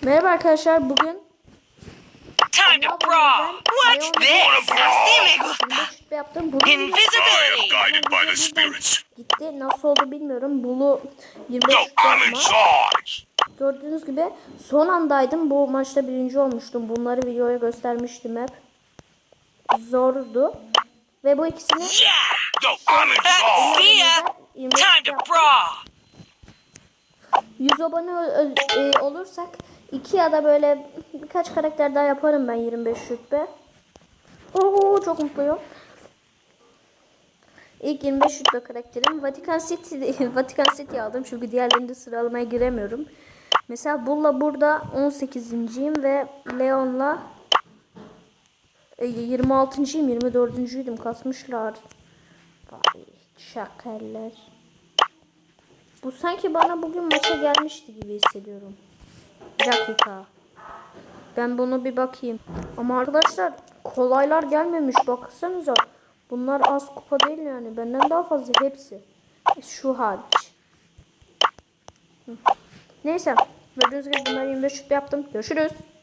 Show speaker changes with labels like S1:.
S1: Merhaba arkadaşlar, bugün
S2: Time to brawl. What's this? Así me gusta.
S1: yaptım. Bunu
S2: Invisibility.
S3: Guided by the spirits.
S1: gitti. Nasıl oldu bilmiyorum. Bunu 25
S3: No,
S1: şutla
S3: I'm in
S1: yapma.
S3: charge.
S1: Gördüğünüz gibi son andaydım. Bu maçta birinci olmuştum. Bunları videoya göstermiştim hep. Zordu. Ve bu ikisini
S2: Yeah.
S3: No, I'm in charge.
S2: See ya.
S1: 25
S2: Time to
S1: yaptım.
S2: brawl.
S1: 100 abone olursak 2 ya da böyle birkaç karakter daha yaparım ben 25 rütbe. Oo, çok mutluyum. İlk 25 rütbe karakterim Vatikan City. Vatikan City aldım çünkü diğerlerinde sıralamaya giremiyorum. Mesela Bull'la burada 18.'yim ve Leon'la 26.'yim, 24.'üydüm. Kasmışlar. Vay şakaller. Bu sanki bana bugün maça gelmişti gibi hissediyorum. Bir dakika. Ben bunu bir bakayım. Ama arkadaşlar kolaylar gelmemiş. Baksanıza. Bunlar az kupa değil yani. Benden daha fazla hepsi. Şu hariç. Neyse. Gördüğünüz gibi bunları 25 şut yaptım. Görüşürüz.